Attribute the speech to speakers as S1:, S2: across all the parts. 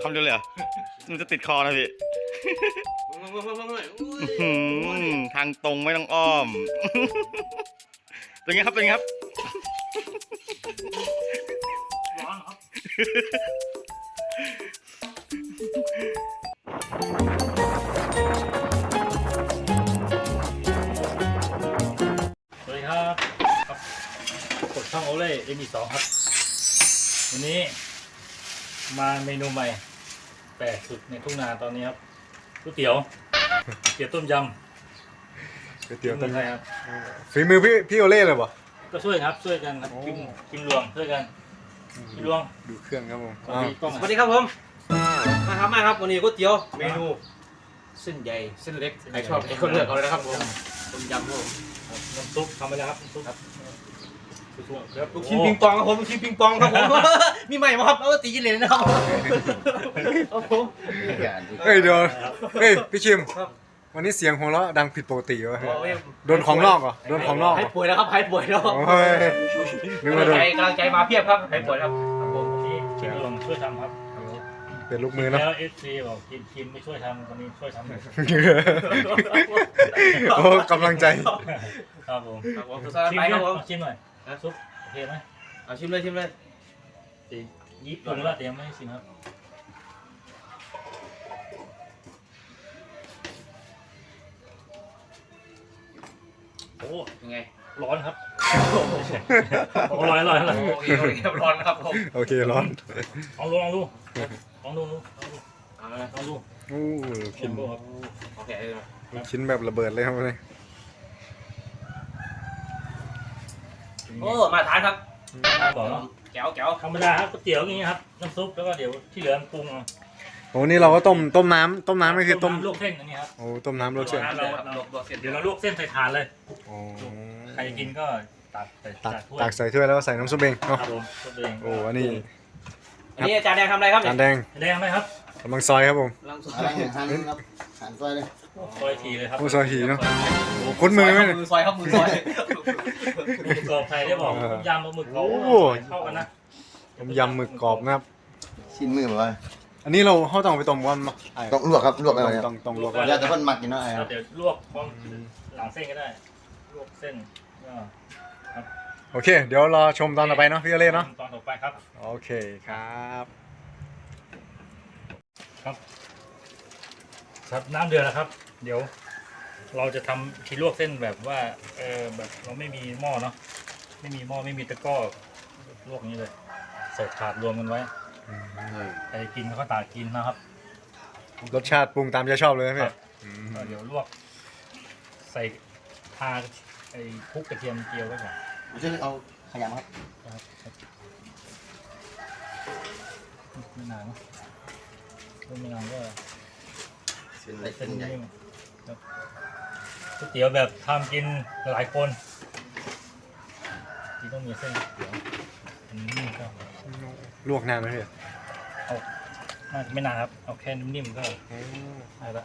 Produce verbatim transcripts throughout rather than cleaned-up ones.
S1: คำเดียวเลยเหรอมันจะติดคอนะพี่ทางตรงไม่ต้องอ้อมเป็นไงครับเป็นไงครับ
S2: ร้อนครับสวัสดีครับครับกดช่องโอเล่เอ็มบีสองครับวันนี้มาเมนูใหม่แปลกสุดในทุ่งนาตอนนี้ครับก๋วยเตี๋ยวเตี๋ยวต้มยำ
S3: ก๋วยเตี๋ยวต้ม
S2: ไทยครับ
S3: ฝีมือพี่พี่โอเล่เลยป่ะ
S2: ก็ช่วยครับช่วยกันครับกินกินรวมช่วยกันกินรวม
S3: ดูเครื่องครับผม
S4: สวัสดีครับผมมาครับมาครับวันนี้ก๋วยเตี๋ยวเมนูเส้นใหญ่เส้นเล็กใครชอบใครก็เลือกเอาเลยนะครับผมต้มยำครับผม
S2: น้ำซุปทำไปแล้วครับน้ำซุปครับ
S4: ลูกชิ้นปิงปองครับผมลูกชิ้นปิงปองครับผมมีใหม่มาครับเอาตีกินเลยนะครับครับผม
S3: เฮ้ยเดี๋ยวเฮ้ยพี่ชิมวันนี้เสียงของเราะดังผิดปกติวะโดนของนอกเหรอโดนของนอกเหร
S4: หาย
S3: อ
S4: ป่วยแล้วครับหายป่วยแล้ว
S3: โอ้ยนึกว่าโดน
S4: ใจกำลังใจมาเพียบครับหายป่วยแล้วครับผม
S2: วันนี้กินรวมช่วยทำครับ
S3: เป็นลูกมือนะ
S2: แล้วเอฟซีบอกกินกินไม่ช่วยทำวันนี้ช่วยทำเลย
S3: โอ้กำลังใจ
S2: ครับผม
S4: ครับผม
S2: ชิม
S4: ไป
S2: ห
S4: ค
S2: น่
S4: รั
S2: อบ
S4: ผม
S2: ยชิมหน่อยน้ำซุปโอเคไหม
S4: เอาชิมเลยชิมเลย
S2: ตียิบปรุงแล้วเตรียมไม่ให้ชิมครับโอ้
S4: ยังไง
S2: ร้อนครับโอ้ร้อนร้อนร้อน
S4: โอเคโอเคร้อนนะครับผม
S3: โอเคร้อน
S2: ลองดูลองดูลองดูลองดู
S4: เอาละ
S2: ลองดู
S3: โอ้ชิ้น
S2: ดูครับ
S4: โอเค
S3: ชิ้นแบบระเบิดเลยครับเลย
S4: โอ้มาทานครับ
S2: บอกเนาะ
S4: แก้วแก้ว
S2: ธรรมดาครับก๋วยเตี๋ยวอย่างงี้ครับน้ำซุปแล้วก็เดี๋ยวที่เหลือปรุงเอา
S3: โอ้นี่เราก็ต้มต้มน้ำต้มน้ำไม่คือต้ม
S2: ลวกเส้นอันนี้ครับ
S3: โอ้ต้มน้ำรสเชื่อ
S4: เราเราเราเสร็จ
S2: เดี๋ยวเราลวกเส้นใส่ถาดเลย
S3: โอ้
S2: ใครกินก็ตักใส่
S3: ตัก
S2: ถ้วย
S3: ตักใส่ถ้วยแล้วก็ใส่น้ำซุปเองเนาะ
S2: ครับผมตัวเอง
S3: โอ้อันนี้
S4: อันนี้อาจารย์แดงทำอะไรครับ
S3: จานแดง
S2: แดงไหมครับ
S3: กำลังซอยครับผม
S4: ลังสุด
S5: อะไรหันครับหันซอยเลย
S2: ซอยทีเลยครับ
S3: โอ้ซอยทีเนาะโอ้คุ้นมือไหมเนี่ย
S4: มือซอยครับมือซอย
S2: หมึกกรอบใครได้บอก
S3: เออ
S2: ต้มยำปลาหมึกกรอบ
S3: โอ้
S2: เข้ากันนะ
S3: ต้มยำหมึกกรอบนะครับ
S5: ชิ้นมือแบบว่า
S3: อันนี้เราเขาต้องไปต้มก่อนเนาะไอ้
S5: ต้องลวกครับลวกอะไรครับ
S3: ต้องต้องลวกก่อน
S5: อยากจะเพิ่นหมักกินเนาะไอ้ค
S2: แล้
S5: รั
S2: ว
S5: บ
S2: เดี๋ยวลวกพร้อมหลังเส้นก็ได้ลวกเส้นก็
S3: โอเค เดี๋ยวรอชมตอนต่อไปเนาะพี่โอเล่เนาะ
S2: ตอนต่อไปครับ
S3: โอเคครับ
S2: ครับครับน้ำเดือดแล้วครับ เดี๋ยว เราจะทำที่ลวกเส้นแบบว่าเออแบบเราไม่มีหม้อเนาะไม่มีหม้อไม่มีตะกร้อลวกอย่างนี้เลยใส่ถาดรวมกันไว้ใครกินเขาก็ตากกินนะครับ
S3: รสชาติปรุงตามใจชอบเลยนะพี่
S2: ครับ เดี๋ยวลวก ใส่ทาไอ้คลุกกระเทียมเจียวไว้ก่อน
S5: ผมจะเอาขยำครับ
S2: นะครับไม่นานเนาะไม่นานก็
S5: เส้นเล็ก
S2: เส้
S5: เส้
S2: น
S5: นใหญ่
S2: นิ่มครับก๋วยเตี๋ยวแบบทำกินหลายคนที่ต้องมีเส้นก๋วยเตี๋ยวอันนี้ก็
S3: ลวกนานไหมพี่
S2: เอาน่าจะไม่นานครับ เอาแค่นิ่มๆก็ได้ละ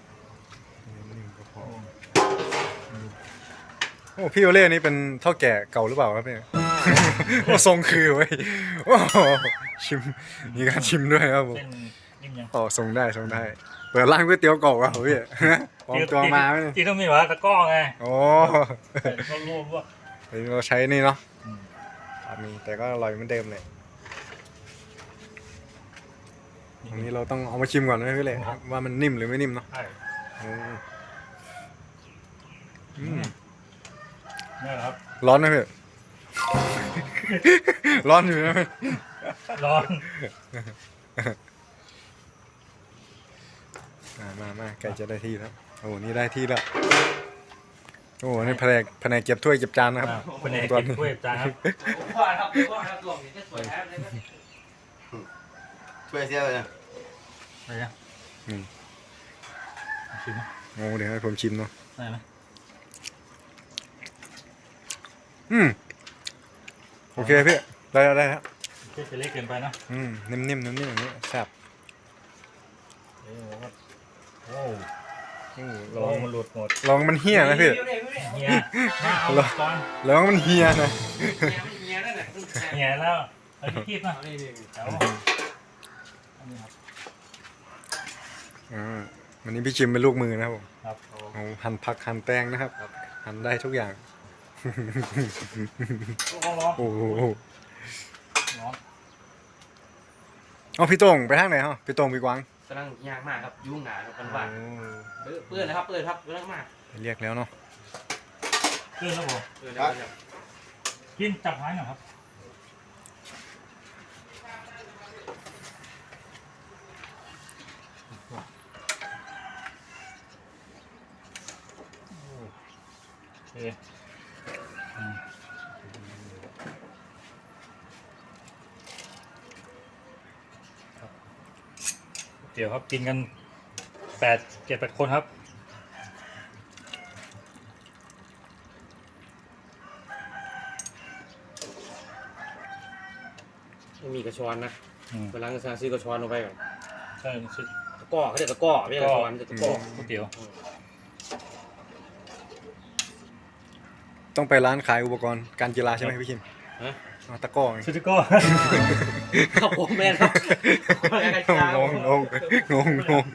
S3: โอ้พี่โอเล่นี่เป็นเท่าแก่เก่าหรือเปล่าครับพี่ โอ้ทรงคือเว้ยโอ้ชิมมีการชิมด้วยครับผม
S2: เส้นนิ่มยัง
S3: อ๋อทรงได้ทรงได้เปิดร้านก๋วยเตี๋ยวเก่าอ่ะพี่ปลอมตัวมาไหมเนี่ย
S2: ที่ต้องมีว่าตะกร้อไง
S3: โอ้
S2: ก็รวบรวบ
S3: เดี๋ยวเราใช้นี่เนาะ
S2: อืม
S3: มีแต่ก็อร่อยเหมือนเดิมเลยอันนี้เราต้องเอามาชิมก่อนนะพี่เล่ว่ามันนิ่มหรือไม่นิ่มเนาะ
S2: ใช่
S3: โอ้อืม
S2: นี่แหละครับ
S3: ร้อนไหมพี่ ร้อนอยู่นะพี่
S2: ร้อน
S3: อ่ามามาไก่จะได้ที่แล้วโอ้นี่ได้ที่แล้วโอ้นี่แผนกแผนกเก็บถ้วยเก็บจานนะครับ
S2: เป็นเอก
S3: ตัว
S2: กินถ้วยจานครับ
S4: ว่าครับว่าครับตัวนี้จะสวยแท้เลย
S5: ช่วยเสียเลยนะ
S2: อะไรนะ
S3: อืม
S2: ชิมไหม
S3: โอ้เดี๋ยวให้ผมชิมเนาะ
S2: ได้ไหม
S3: อืมโอเคพี่ได้แล้วได้แล้ว
S2: เส้นจะเล็กเกินไปนะ
S3: อืมนิ่มๆนิ่มๆอย่างนี้แซ่บ
S2: เดี๋ยวครับโอ้
S3: อืม
S2: ล
S3: ล
S2: อ
S3: อง ง
S2: มันหลุดหมด
S3: ลองมันเฮี้ยนะพี่
S2: เฮียหน้าเอาก่อน
S3: ลองมันเฮี้ยนะ
S4: เมียนั่นแหละ
S2: เฮียแล้วเอาที่คีบนะเดี๋ยวอันนี้ครับ
S3: อ่าวันนี้พี่ชิมเป็นลูกมือนะครับผม
S2: ครับ
S3: เอาหั่นผักหั่นแตงนะครับ หั่นได้ทุกอย่าง
S2: ร้อนร้อน
S3: โอ้โห
S2: ร้อน
S3: เอาพี่โต้งไปทางไหนฮะพี่โต้งพี่กวาง
S4: กำลังยากมากครับยุ่งหนาครับกันว่าเปื้อนเปื้อนนะครับเปื้อนครับกำลังมาก
S3: ไปเรียกแล้วเนาะ
S2: เลื่อนแล้วผม
S4: เปื้อนแล้วครับ
S2: กินจับไม้หน่อยครับโอเคอืมครับเดี๋ยวครับกินกันแปดเจ็ดแปดคนครับ
S4: ไม่มีกระชอนนะ
S2: อืม
S4: เวลาจะซื้อกระชอนลงไปก่อน
S2: ใช่ชุด
S4: ตะก้อเขาเรียกตะก้อไม่ใช่กระชอนจะตะก้อ
S2: ก๋วยเตี๋ยว
S3: ต้องไปร้านขายอุปกรณ์การกีฬาใช่ไหมพี่คิม
S4: ฮะ
S3: อ๋อตะกร้อไง
S2: ชุดก็
S4: ครับผมแม่นครับ
S3: งงงงงงงง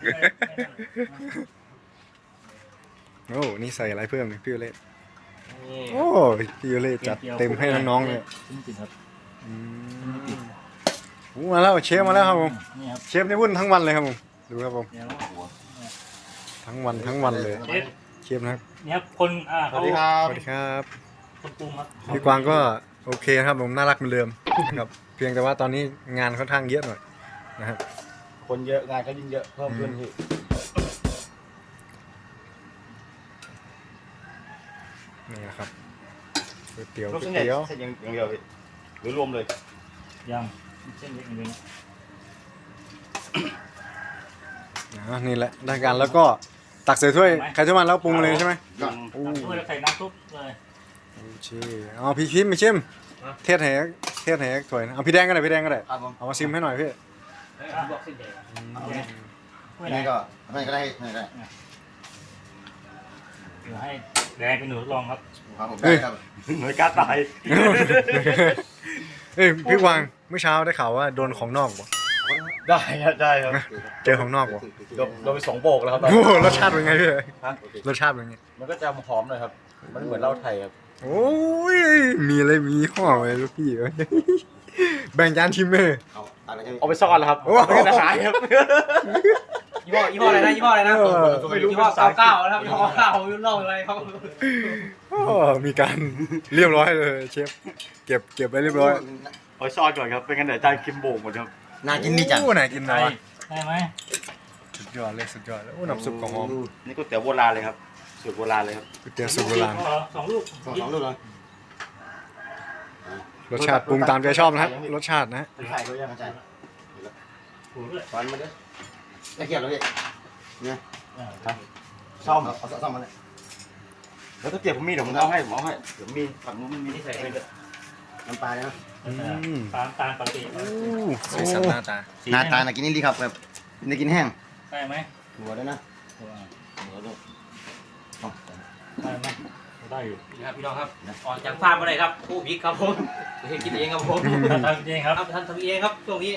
S3: โอ้นี่ใส่อะไรเพิ่มเนี่ยพี่โอเล่
S4: นี่
S3: โอ้พี่โอเล่จัดเต็มให้น้องๆเลย
S2: จริงๆครับ
S3: อืมโอ้มาแล้วเชฟมาแล้วครับผม
S2: นี่ครับ
S3: เชฟนี่วุ่นทั้งวันเลยครับผมดูครับผม
S2: เดี๋ยว
S3: ทั้งวันทั้งวันเลย
S2: เชฟ
S3: เชฟนะครับ
S2: นี่ครับคนอ่า
S5: ส
S2: เขา
S5: วัสดีครับ
S3: สวัสดีครับ
S2: คนปรุงครับ
S3: พี่กวางก็โอเคครับผมน่ารักเหมือนเดิมครับเพียงแต่ว่าตอนนี้งานค่อนข้างเยอะหน่อยนะครับ
S5: คนเยอะงานก็ยิ่งเยอะเพิ่มขึ้นพี่
S3: นี่นะครับก๋วยเตี๋ยว
S5: ลูก
S3: ก๋ว
S5: เส้น
S3: ย
S5: ใหญ่
S3: เตี๋ยว
S5: เส้นอย่างอย่างเดียวพี่หรือรวมเลย
S2: ยังเส้นเล็กนิดนึง
S3: อ่านี่แหละได้การแล้วก็ตักใส่ถ้วยใครถ้วยมันแล้วปรุงเลยใช่ไหม
S5: ก็
S3: โอ้
S2: น้ำซุปแล้วใส่น้ำซุปเลย
S3: โอเคเอาพี่ชิมพี่ชิมเทศแหกเทศแหกถ้วยนะเอาพี่แดงก็ได้พี่แดงก็ได้
S5: ครับผม
S3: เอามาชิมให้หน่อยพี่
S4: บอกเส้นใหญ่
S5: เอา
S2: โอ
S5: เล
S2: เค
S5: ย
S2: ไม่
S5: อัน
S2: ได้
S5: นี้ก็ไม่ก็ได้ไม่ได้
S2: เดี๋ยวให้แดงเป็นหนูทดลองครับ
S5: ครับผมได้ครับ
S1: หน่วยการตาย
S3: เอ้ยพี่กวางเมื่อเช้าได้ข่าวว่าโดนของนอกบ่
S5: ได้ครับได้ครับ
S3: เจอของนอกบ่
S5: โดนโดนไปสองโบกแล้วครับ
S3: โอ้โหรสชาติเป็นไงพี่รสชาติเป็นไง
S5: มันก็จะหอมหน่อยครับ มันเหมือนเหล้าไทยครับ
S3: โอ้ยมีอะไรมียี่ห้ออะไรลูกพี่เอ้ยแบ่งจานชิมไหม
S5: เอาอะไรกัน
S1: เอาไปซ่อนแล้วครับ
S3: โอ้โห
S1: ไม่ได้หายครับ
S4: ยี่ห้อยี่ห้ออะไรนะยี่ห้ออะไรนะ
S3: เออ
S4: ยี่ห้อเก้าเก้านะครับยี่ห้อเก้าไม่รู้เล่าอะไรครับ
S3: โอ้มีการเรียบร้อยเลยเชฟเก็บเก็บไว้เรียบร้อย
S1: เอาไปซ่อนก่อนครับเป็นกันเดี๋ยวจานคิมโบกหมดครับ
S5: น่ากินดีจัง
S3: โอ้ไหนกิน
S2: ได้
S3: นะวะ
S2: ได้ไหม
S3: สุดยอดเลยสุดยอดเลยโอ้น้ำซุปของหอม
S1: นี่ก๋วยเตี๋ยวโบราณเลยครับสูตรโบราณเลยครับ
S3: ก๋วยเตี๋ยวสูตรโบราณ
S2: สองลูก
S5: สองสองลูกเลย
S3: รสชาติปรุงตามใจชอบนะครับรสชาตินะ
S5: ไข่ด้วยยังไง
S2: ถูกด้วย
S5: ฟันมาด้วยตะเกียบแล้วพี่
S2: อ่า
S5: ซ่อมเอาซ่อมมาเลย
S1: แล้วถ้าเกิดผมมีเดี๋ยวผมเอาให้ผมเอาให้เดี๋ยวมีฝั่งนู้นมีที่ใส่ให้ด้วย
S5: น้ำปลาเนี่ยนะ
S3: อืม
S2: ตามตามปกติ
S3: โอ้สีสันหน้าตา
S5: หน้าตาน่ากินนี่ดีครับแบบน่ากินแห้ง
S2: ได้ไหม
S5: หัวด้วยนะ
S2: หัว
S5: หัวด้วย
S2: ได้ไหมได้อยู่
S4: นี่ครับพี่น้องครับออกจากฟาร์มมาเลยครับผู้พิกครับผมเห็นกินเองครับผม
S2: ทำจริงครับ
S4: ครับท่านทำเองครับช่วงนี้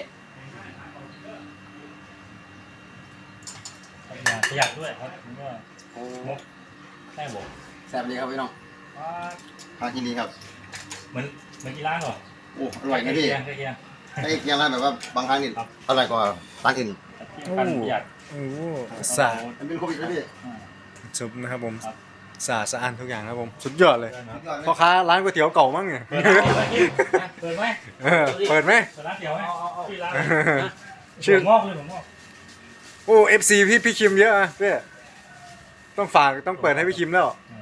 S2: ประหยัดด้วยครับผมก็งบแค่บอก
S5: แซ่บเลยครับพี่น้อง
S2: ว่า
S5: พากินดีครับ
S2: เหมือนเหมือนกีฬาเหรอ
S5: โอ้อร่อยนะพี่
S2: ใกล้เคียง
S5: ไอ้เกี๊ยวร้านแบบว่าบางครั้งนี่อร่อยกว่าร้านอื่น
S2: ใกล้เคียงกันประหยัด
S3: โอ้สะอาด
S5: มันเป็นโควิดนะพี่
S3: ซุปนะครับผม
S2: ครับ
S3: สะอาดสะอ้านทุกอย่างนะครับผมสุดยอดเลย
S2: เปิด
S3: พ่อค้าร้านก๋วยเตี๋ยวเก่ามั้งเนี่ย
S2: ไหม
S3: เออเปิดไหม
S2: เปิดร้านเตี๋ยวไหมที่ร้าน
S3: ชื่อ
S2: งอกเลยผมงอก
S3: โอ้เอฟซีพี่พี่คิมเยอะอะพี่ต้องฝากต้องเปิดให้พี่คิมแล้ว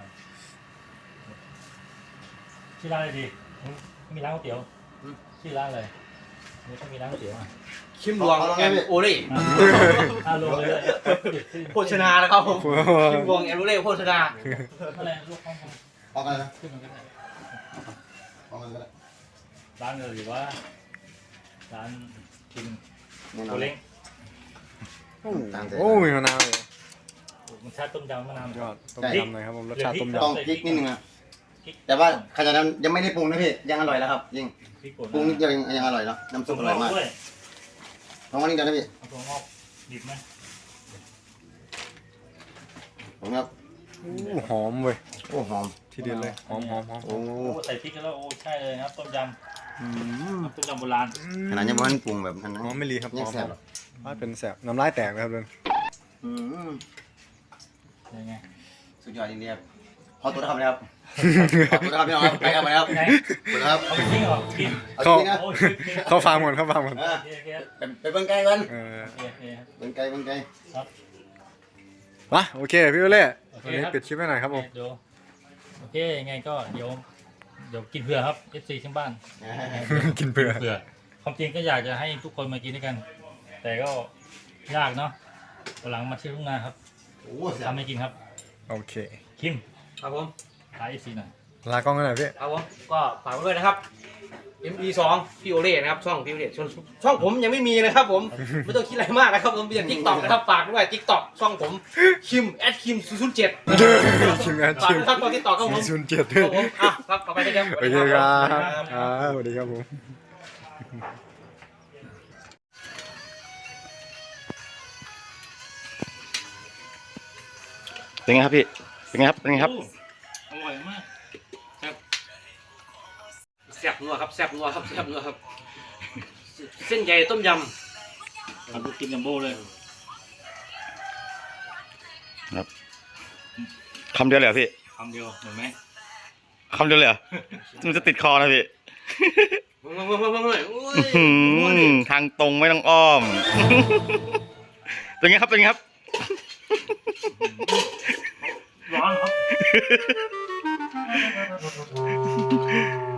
S2: ที่ร้านอะไรดีมีร้านก๋วยเตี๋ยวที่ร้านอะไรนี่ต้องมีร้านก๋วยเตี๋ยวอ่ะ
S4: ชิมรวงแอนโอเล่
S2: อ่าลงเลย
S4: โภชนานะครับผมชิมรวงแอนโอเล่โภชนา
S2: อะไรลูกข้าง
S5: ออกกันนะ
S2: ขึ้นมาก็ได้
S5: ออกกันก็ได้
S2: ร้านเลยหรือว่าร้านกิน
S5: แน่น
S2: โอ
S5: อน
S2: เล้ง
S3: โอ้มีมะนาวเลย
S2: มันชาติต้มยำมะนาว
S3: ยอดต้มยำหน่อยครับผมรสชาติต้ม
S5: ต้อง
S3: ยำ
S5: พริกนิดนึงนะแต่ว่าขนาดนั้นยังไม่ได้ปรุงนะพี่ยังอร่อยแล้วครับยิ่ง
S2: พริกป่น
S5: ปรุงนิดเดียวยังยังอร่อยแล้วน้ำซุปอร่อยมาก
S2: ด้วย
S5: ลองมานิดเดียวนะพี่
S2: เอาตัวงอกดิบไหม
S5: ผมครับ
S3: อู้หอมเว้ย
S5: โอ้หอม
S3: ทีเดียวเลยหอมหอมหอม
S5: โอ้
S2: โอ้ใส่พริกแล้วโอ้ใช่เลยนะครับต้มยำ
S5: อืม
S2: ต้มยำโบราณ
S5: ขนาดยังไม่ทันปรุงแบบนั้นนะ
S3: หอมไม่รีครับห
S5: ยั
S3: อง ม
S5: แซ่บหรอ
S3: ว่าเป็นแสบน้ำลายแตกนะครับเลย
S5: อืม
S2: ยังไง
S5: สุดยอดจริงๆครับขอตัวนะครับนะครับขอตัวนะครับพี่น้องครับไปครับไปครับ
S2: ไหน
S5: ไปครับ
S2: เอาไปทิ้งเหรอกิน
S5: เอาจริงๆนะ
S2: โอ้ย
S3: เข้าฟาร์มก่อนเข้าฟาร์มก่อน
S5: เออ
S2: โอเคโอเค
S5: ไปไปเบิ่งไก่กัน
S3: เออ
S2: โอเคครับ
S5: เบิ่งไก่เบิ่งไก่
S2: ครับ
S3: มาโอเคพี่โอเล่
S2: โอเค
S3: วันนี้
S2: ครับ
S3: ปิดคลิปไว้หน่อยครับผม
S2: เดี๋ยวโอเคยังไงก็เดี๋ยวเดี๋ยวกินเผื่อครับ เอฟ ซี ทั้งบ้าน
S3: กินเผื่อ
S2: เผื่อความจริงก็อยากจะให้ทุกคนมากินด้วยกัน แต่ก็ยากเนาะวันหลังมาเที่ยวทุ่งนาครับ
S5: โอ้แซ่บ
S2: ทำให้กินครับ
S3: โอเค
S2: คิม
S4: ครับผม
S2: ขายเอฟซีหน่อย
S3: ลากล้องกันหน่อยพี่
S4: ครับผมก็ฝากไว้ด้วยนะครับ เอ็ม อี สอง พี่โอเล่นะครับช่องพี่โอเล่ช่องช่องผมยังไม่มีนะครับผมไม่ต้องคิดอะไรมากนะครับผมเป็นทิกตอกนะครับฝากด้วยทิกตอกช่องผมคิมแอดคิมศูนย์เจ็ด
S3: ชิมงาน
S4: ฝาก
S3: ชิม
S4: ด้วยครับตอนทิกตอกครับผม
S3: ศูนย์เจ็ด
S4: ครับผมอ่ะครับต่อไปได้ครับ
S3: โอเคครับอ่าสวัสดีครับผม
S1: เป็นไงครับพี่เป็นไงครับเป็นไงครับ
S2: โอ้อร่อยมากครับ
S4: แซ่บนัวครับแซ่บนัวครับแซ่บนัวครับ เส้นใหญ่ต้มย
S2: ทำลูกกินจัมโบ้เลย
S1: คำเดียวเลยเหรอพี่
S2: คำเดียวเห็นไหม
S1: คำเดียวเลยเหรอมันจะติดคอนะพี่
S4: ำมึงมึงมึงมึงมึงโอ้ย
S1: อื้อหือทางตรงไม่ต้องอ้อม เป็นไงครับเป็นไงครับ
S2: ร้อนครับ